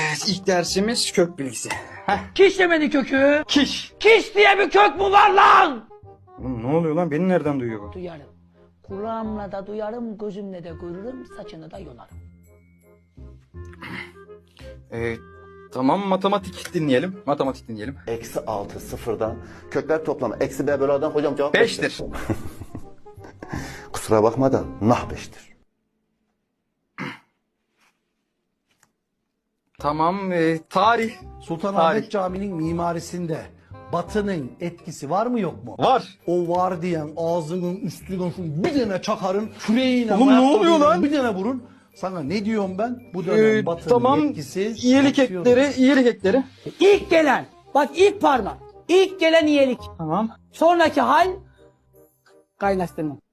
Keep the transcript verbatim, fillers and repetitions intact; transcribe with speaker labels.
Speaker 1: Evet, ilk dersimiz kök bilgisi. Heh.
Speaker 2: Kiş demedi kökü.
Speaker 1: Kiş.
Speaker 2: Kiş diye bir kök mü var lan?
Speaker 1: Oğlum ne oluyor lan? Beni nereden duyuyor bu?
Speaker 2: Duyarım. Kulağımla da duyarım, gözümle de görürüm, saçını da yolarım.
Speaker 1: Ee, tamam, matematik dinleyelim. Matematik dinleyelim.
Speaker 3: Eksi altı sıfırdan kökler toplamı. Eksi b bölü a'dan hocam cevap
Speaker 1: Beştir.
Speaker 3: Kusura bakma da nah beştir.
Speaker 1: Tamam, e, tarih.
Speaker 4: Sultanahmet
Speaker 1: Tarih.
Speaker 4: Camii'nin mimarisinde Batı'nın etkisi var mı yok mu?
Speaker 1: Var.
Speaker 4: O var diyen ağzının üstüne şu bir tane çakarın, küreğine,
Speaker 1: Oğlum ne
Speaker 4: ayakkabıyla
Speaker 1: oluyor lan?
Speaker 4: bir tane vurun. Sana ne diyorum ben? Bu dönem
Speaker 1: Ee,
Speaker 4: Batı'nın
Speaker 1: tamam,
Speaker 4: etkisi...
Speaker 1: iyilik
Speaker 4: artıyor.
Speaker 1: ekleri, iyilik ekleri.
Speaker 2: İlk gelen, bak ilk parmak, ilk gelen iyilik.
Speaker 1: Tamam.
Speaker 2: Sonraki hal, kaynaştırma.